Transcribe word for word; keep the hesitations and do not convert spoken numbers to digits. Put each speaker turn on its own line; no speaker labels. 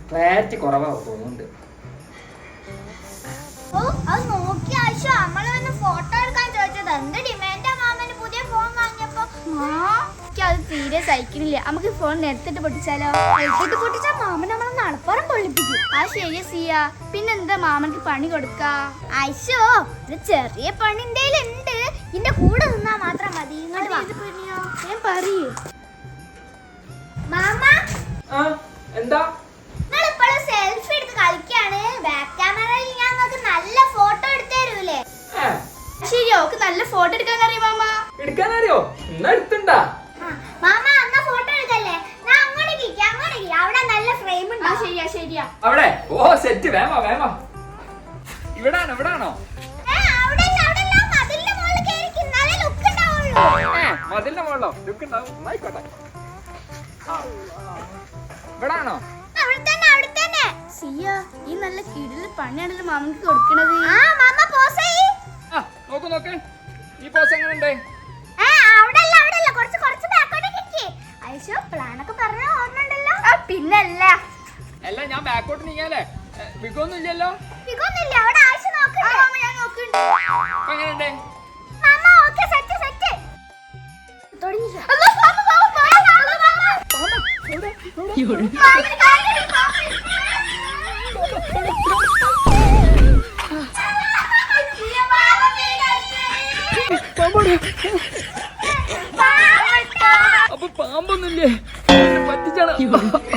Clarity കുറവാ തോന്നുന്നുണ്ട്.
ഓ അത് നോക്കി ആയിഷ നമ്മളെ വന്ന് ഫോട്ടോ എടുക്കാൻ ചോദിച്ചത് എന്ത് ഡിമാൻഡാ മാമന് പുതിയ ഫോൺ വാങ്ങിയപ്പോ. അത് തീരെ സഹിക്കുന്നില്ല. നമുക്ക് ഫോൺ എടുത്തിട്ട് പൊട്ടിച്ചാലോ? എടുത്തിട്ട് പൊട്ടിച്ചാൽ മാമൻ നമ്മളെ നടപ്പുറം പൊള്ളിപ്പിക്കും. ആ ശരിയാ സിയ. പിന്നെന്താ മാമനക്ക് പണി കൊടുക്കാ? ആയിഷോ ഒരു ചെറിയ പണി ഉണ്ട്. ഇതിന്റെ കൂടെ നിന്നാ മാത്രം മതി. ഞാൻ പറയൂ മാമ.
എന്താ
നിങ്ങളിപ്പോഴും സെൽഫി എടുത്ത് കളിക്കാണ്. ബാക്ക് ക്യാമറയിൽ ഞാൻ നിങ്ങൾക്ക് നല്ല ഫോട്ടോ എടുത്തു തരൂലേ? ശരി ഓക്ക് നല്ല ഫോട്ടോ എടുക്കാൻ അറിയോ മാമ?
എടുക്കാനറിയോ? എന്നാ എടുത്തുണ്ടാ
മാമ. എന്നാ ഫോട്ടോ എടുക്കല്ലേ? ഞാൻ അങ്ങോട്ടേക്ക് അങ്ങോട്ടേക്ക് അവിടെ നല്ല ഫ്രെയിം ഉണ്ട്. ശരിയാ ശരിയാ
അവിടെ. ഓ സെറ്റ്. വേമ വേമ. ഇവിടാണോ ഇവിടാണോ? മതിലിന്റെ മുകളിലോ? ലുക്ക് ഉണ്ടാവും. ആയിക്കോട്ടെ. ഇവിടാണോ?
സിയ ഈ നല്ല കിടില് പണിയാണല്ലോ മാമക്ക് കൊടുക്കണത്. ആ മാമ പോസ് ചെയ്യ്.
ആ നോക്ക് നോക്ക്. ഈ പോസ് എങ്ങനെയുണ്ട്?
ആ അവിടെല്ല അവിടെല്ല കുറച്ച് കുറച്ച് ബാക്കോട്ടേക്ക് നിക്ക്. ഐശോ പ്ലാൻ ഒക്കെ പറഞ്ഞ ഓർമ്മണ്ടല്ലോ. ആ പിന്നല്ല.
അല്ല ഞാൻ ബാക്കോട്ട് നീങ്ങാലേ. വിഗൊന്നും ഇല്ലല്ലോ.
വിഗൊന്നുമില്ല. അവിടെ ആയിഷ നോക്കുന്നുണ്ട്. ആ മാമ ഞാൻ നോക്കുന്നുണ്ട്.
അപ്പൊ എങ്ങനെയുണ്ട്?
മാമ ഓക്കേ സെറ്റ് സെറ്റ്. തുടങ്ങി. അല്ലാ മാമ മാമ മാമ മാമ. യോട്.
അപ്പൊ പാമ്പൊന്നുമില്ലേ? പറ്റിച്ചാണ്.